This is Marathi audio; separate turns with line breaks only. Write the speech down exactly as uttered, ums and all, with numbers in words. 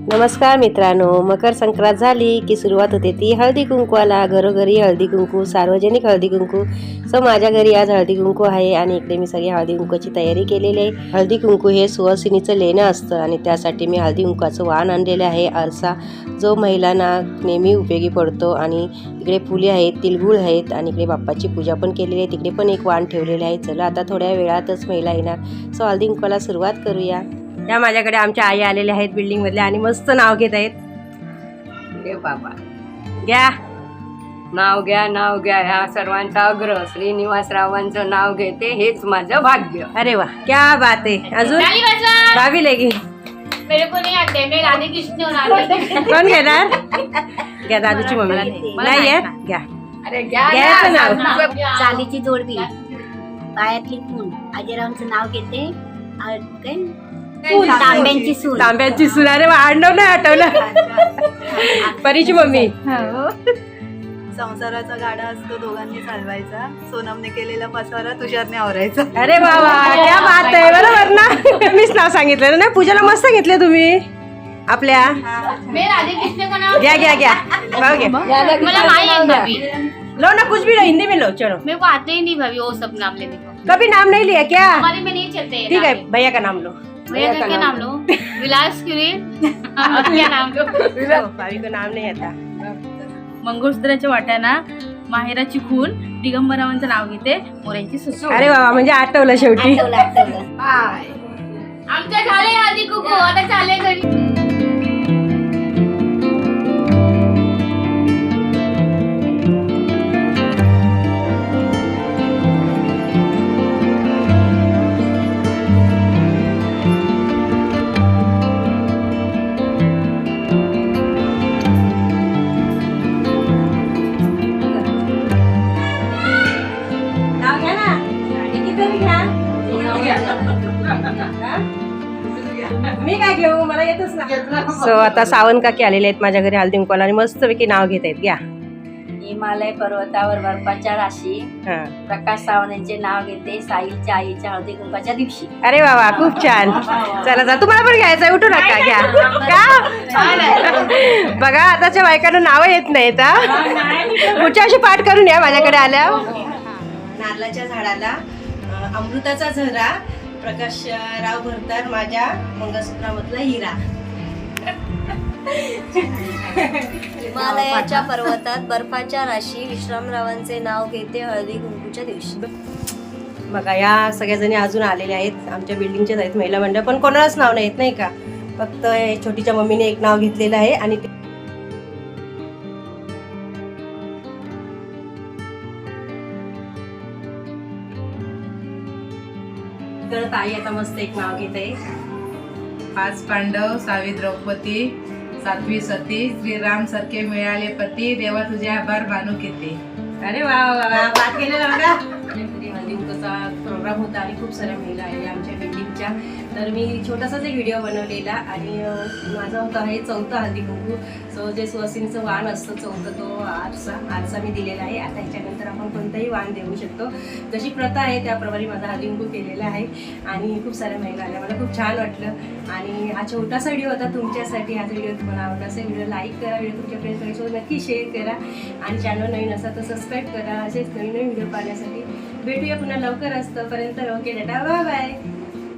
नमस्कार मित्रांनो, मकर संक्रांत झाली की सुरुवात होते ती हळदी कुंकवाला. घरोघरी हळदी कुंकू, सार्वजनिक हळदी कुंकू. सो माझ्या घरी आज हळदी कुंकू आहे आणि इकडे मी सगळी हळदी कुंकूची तयारी केलेली आहे. हळदी कुंकू हे सुवासिनीचं लेणं असतं आणि त्यासाठी मी हळदी कुंकवाचं वाण आणलेलं आहे, आरसा, जो महिलांना नेहमी उपयोगी पडतो. आणि इकडे फुले आहेत, तिळगुळ आहेत आणि इकडे बाप्पाची पूजा पण केलेली आहे. तिकडे पण एक वाण ठेवलेले आहे. चला आता थोड्या वेळातच महिला येणार, सो हळदी कुंकवाला सुरुवात करूया. या माझ्याकडे आमच्या आई आलेल्या आहेत बिल्डिंग मधल्या आणि मस्त नाव घेत आहेत.
रे बाबा,
घ्या
नाव घ्या, नाव घ्या. ह्या सर्वांचा अग्र श्रीनिवासरावांचं नाव घेते, हेच माझं भाग्य.
अरे वा, क्या बात आहे. अजून भाभी लेगी
मेरे को नहीं आते, मैं राधे कृष्ण और राधे
कोण घेणार? घ्या, दादूची मम्मी नाही आहे. घ्या,
अरे घ्या
घ्यायचं
ना.
नाव.
चालीची जोडवी, पायातली खून, आजीरावांचं नाव घेते. आ- काय? तांब्यांची सून.
तांब्याची सून. अरे वा, आडनाव नाही आठवलं. परीची मम्मी.
संसाराचा गाडा असतो दोघांनी चालवायचा, सोनमने केलेला पसारा तुषारने आवरायचा.
अरे वा वा, क्या बात आहे. बरोबर ना, मीच नाव सांगितलं ना. पूजाला मस्त घेतले तुम्ही आपल्या.
मैं राधे कृष्ण का नाम
घ्या घ्या घ्या, भाऊ घ्या.
मतलब आई है भाभी,
लो ना, कुछ भी लो, हिंदी में लो. चलो,
मेरे को आते ही नहीं भाभी वो सब नाम लेने को.
कभी नाम नहीं लिया क्या?
हमारे में नहीं चलते हैं
ठीक है,
नाम।
भैया का नाम लो.
भैया का क्या नाम लो? विलास क्यूरी क्या नाम लो?
भाभी को नाम नहीं आता.
मंगळसूत्राच्या वाट्याना माहेराची खून, दिगंबरावांचं नाव घेते, मोऱ्यांची सून.
अरे बाबा, म्हणजे आठवलं शेवटी.
आठवलं, आठवलं.
आमच्या झाले आधी कुकू, आता चाले घरी.
नाव घ्या ना, कितीतरी घ्या. मी काय घेऊ, मला येतच ना. सो आता सावन काकी आलेले आहेत माझ्या घरी हळदी कुंकवाला आणि मस्तपैकी नाव घेत आहेत. घ्या.
हिमालय पर्वतावर बर्फाच्या राशी,
हा.
प्रकाश सावंत यांचे नाव घेते, साईच्या आईच्या हळदी कुंकाच्या दिवशी.
अरे वा वा, खूप छान. चला जा, तुम्हाला पण घ्यायचं, उठू नका. घ्या. का बघा, आताच्या बायकांना नावं येत नाहीत. हा, पुढच्या अशी पाठ करून या माझ्याकडे आल्या. नारळाच्या झाडाला अ, अमृताचा झरा, प्रकाश राव भरतार माझ्या मंगळसूत्रामधला हिरा.
हिमालयाच्या पर्वतात बर्फाच्या राशी, विश्रामरावांचे नाव घेते हळदी कुंकूच्या दिवशी.
बघा, या सगळ्या जणी अजून आलेल्या आहेत, आमच्या बिल्डिंगच्याच आहेत महिला मंडळ, पण कोणालाच नाव नाही येत नाही का. फक्त हे छोटीच्या मम्मीने एक नाव घेतलेलं आहे. आणि तर ताई आता मस्त एक नाव घेत आहे.
पाच पांडव, सावी द्रौपदी, सातवी सती, श्रीराम सारखे मिळाले पती, देवा तुझे आभार मानू किती.
अरे वा वा वा, बात केलेला बघा. हळदी कुंकूचा प्रोग्राम होता आणि खूप साऱ्या महिला आहे आमच्या बिल्डिंगच्या. तर मी छोटासाच एक व्हिडिओ बनवलेला आणि अं, माझा होता हे चौथा हळदी कुंकू. सो जे सुवासिनीचं वाण असतं चौथं, तो आरसा आरसा मी दिलेला आहे. आता ह्याच्यानंतर आपण कोणतंही वाण देऊ शकतो, जशी प्रथा आहे त्याप्रमाणे माझा हळदी कुंकू केलेला आहे. आणि खूप साऱ्या महिला आल्या, मला खूप छान वाटलं. आणि हा छोटासा व्हिडिओ होता तुमच्यासाठी. हा व्हिडिओ तुम्हाला आवडला असेल, व्हिडिओ लाईक करा, व्हिडिओ तुमच्या फ्रेंड्ससोबत नक्की शेअर करा आणि चॅनल नवीन असा तर सबस्क्राईब करा. असेच नवीन नवीन व्हिडिओ पाहण्यासाठी भेटूया पुन्हा लवकर. असतं पर्यंत ओके, टाटा, बाय बाय.